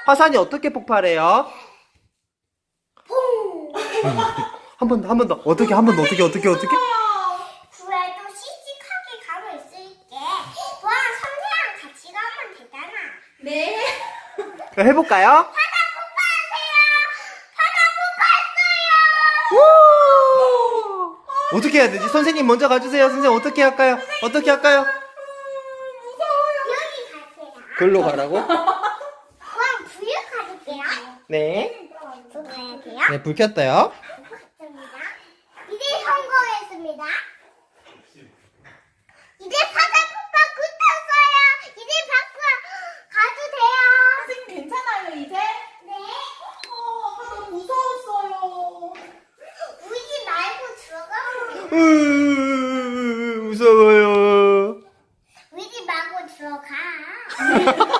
화산이 어떻게 폭발해요? 퐁! 한 번 더, 한 번 더. 어떻게, 한 번 더, 어떻게? 그래도 씩씩하게 가고 있을게. 와, 선생랑 같이 가면 되잖아. 네. 그럼 해볼까요? 바다 폭발하세요! 바다 폭발했어요! 우! 어떻게 해야 되지? 선생님 먼저 가주세요. 선생님 어떻게 할까요? 어떻게 할까요? 여기 갈게요. 글로 가라고? 그럼 불 가줄게요. 네. 불 가야 돼요. 네, 불 켰어요. 맞습니다. 이제 성공했습니다. 이제 바다 폭발 붙었어요. 이제 밖으로 가도 돼요. 선생님 괜찮아요 이제? 네. 아까 너무 무서웠어요. 울지 말고 들어가면 돼요. 무서워요. 울지 말고 들어가.